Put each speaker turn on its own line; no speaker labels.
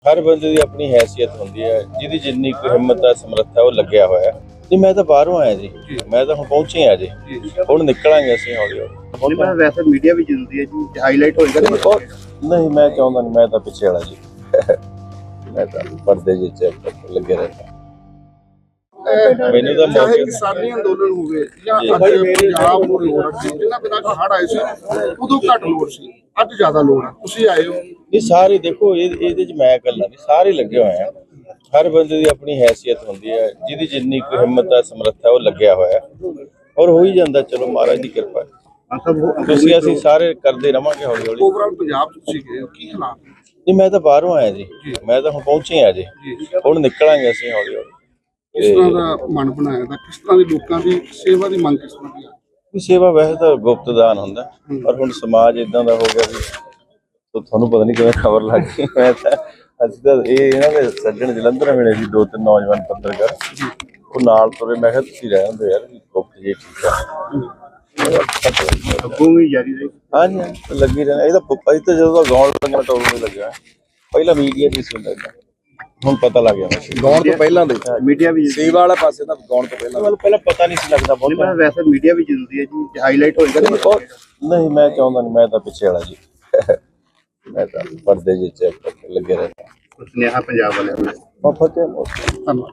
हर बंदे की अपनी हैसियत होंदी है, जिहदी जिन्नी कोई हिम्मत है समर्थ है वो लग्या होया जी। मैं तो बाहरों आया जी, मैं तो हुण पहुंचे आ जी, हुण निकलांगे असीं हौली हौली।
मैं वैसे मीडिया भी जरूरी है जी, हाईलाइट होएगा
नहीं मैं चाहुंदा नहीं, मैं तो पिछे वाला जी मैं तो पर्दे जे लगे रहता। ਮੈਨੂੰ ਤਾਂ
ਚਾਹੇ
ਮੌਕੇ
ਕਿਸਾਨੀ ਅੰਦੋਲਨ ਹੋਵੇ ਜਾਂ ਅੱਜ ਪੰਜਾਬ ਨੂੰ ਲੋੜ ਹੈ, ਜਿੰਨਾ ਬਿਨਾਂ ਹੜ੍ਹ ਆਏ ਸੀ ਉਦੋਂ ਘੱਟ ਲੋੜ ਸੀ, ਅੱਜ ਜ਼ਿਆਦਾ ਲੋੜ ਹੈ। ਤੁਸੀਂ ਆਏ ਹੋ,
ਇਹ ਸਾਰੇ ਦੇਖੋ ਇਹਦੇ ਚ ਮੈਂ ਇਕੱਲਾ ਨਹੀਂ, ਸਾਰੇ ਲੱਗੇ ਹੋਏ ਆ। ਹਰ ਬੰਦੇ ਦੀ ਆਪਣੀ ਹੈਸੀਅਤ ਹੁੰਦੀ ਹੈ, ਜਿਹਦੀ ਜਿੰਨੀ ਕੋਈ ਹਿੰਮਤ ਹੈ ਸਮਰੱਥ ਹੈ ਉਹ ਲੱਗਿਆ ਹੋਇਆ ਔਰ ਹੋ ਹੀ ਜਾਂਦਾ। ਚਲੋ ਮਹਾਰਾਜ ਦੀ ਕਿਰਪਾ ਹੈ। ਤੁਸੀਂ ਅਸੀਂ ਸਾਰੇ ਕਰਦੇ ਰਵਾਂਗੇ ਹੌਲੀ ਹੌਲੀ।
ਓਵਰਆਲ ਪੰਜਾਬ ਤੁਸੀਂ ਗਏ ਹੋ, ਕੀ ਹਾਲਾਤ ਨੇ?
ਜੀ ਮੈਂ ਤਾਂ ਬਾਹਰੋਂ ਆਇਆ ਜੀ, ਮੈਂ ਤਾਂ ਹੁਣ ਪਹੁੰਚੇ ਆ ਜੀ, ਹੁਣ ਨਿਕਲਾਂਗੇ ਅਸੀਂ ਹੌਲੀ ਹੌਲੀ।
ਕਿਸ ਤਰ੍ਹਾਂ ਦਾ ਮਨ ਬਣਾਇਆ ਦਾ, ਕਿਸ ਤਰ੍ਹਾਂ ਦੀ ਲੋਕਾਂ ਦੀ ਸੇਵਾ ਦੀ ਮੰਗ ਕਿਸ ਤਰ੍ਹਾਂ ਦੀ ਆ?
ਸੇਵਾ ਵੈਸੇ ਤਾਂ ਗੁਪਤ ਦਾਨ ਹੁੰਦਾ, ਪਰ ਹੁਣ ਸਮਾਜ ਇਦਾਂ ਦਾ ਹੋ ਗਿਆ ਵੀ ਤੁਹਾਨੂੰ ਪਤਾ ਨਹੀਂ ਕਿਵੇਂ ਖਬਰ ਲੱਗ ਗਈ। ਮੈਂ ਤਾਂ ਅਸੀਂ ਤਾਂ ਇਹਨਾਂ ਦੇ ਸੱਜਣ ਜਲੰਧਰ ਮਿਲੇ ਸੀ, 2-3 ਨੌਜਵਾਨ ਪੱਤਰਕਾਰ, ਉਹ ਨਾਲ ਤੁਰੇ। ਮੈਂ ਕਿਹਾ ਤੁਸੀਂ ਰਹਿ ਹੁੰਦੇ ਯਾਰ, ਗੁਪਤ ਜੀ ਠੀਕ ਆ।
ਅੱਗੋਂ ਵੀ ਜਾਰੀ ਰਹੀ।
ਹਾਂਜੀ ਲੱਗੀ ਰਹਿਣਾ। ਇਹ ਤਾਂ ਅਸੀਂ ਤਾਂ ਜਦੋਂ ਦਾ ਗਾਉਣ ਲੱਗਿਆ ਟੋਲ ਨਹੀਂ ਲੱਗਿਆ, ਪਹਿਲਾਂ ਮੀਡੀਆ ਦੀ ਸੀ ਹੁੰਦਾ, ਹੁਣ ਪਤਾ ਲੱਗ ਗਿਆ।
ਗਾਉਣ ਤੋਂ ਪਹਿਲਾਂ ਦੇ
मीडिया भी
ਸੇਵਾ ਵਾਲਾ ਪਾਸੇ ਤਾਂ ਗਾਉਣ ਤੋਂ ਪਹਿਲਾਂ
ਮੈਨੂੰ ਪਹਿਲਾਂ ਪਤਾ ਨਹੀਂ ਸੀ ਲੱਗਦਾ ਬਹੁਤ।
मैं वैसे मीडिया भी जरूरी है जी, हाईलाइट होएगा
ਨਹੀਂ ਮੈਂ ਚਾਹੁੰਦਾ ਨਹੀਂ, ਮੈਂ ਤਾਂ ਪਿੱਛੇ ਵਾਲਾ ਜੀ ਮੈਂ ਤਾਂ ਪਰਦੇ ਜੇ ਲੱਗੇ ਰਹਿੰਦਾ।
सुनेहा पंजाब वाले
ਫਤਿਹ।
ਧੰਨਵਾਦ।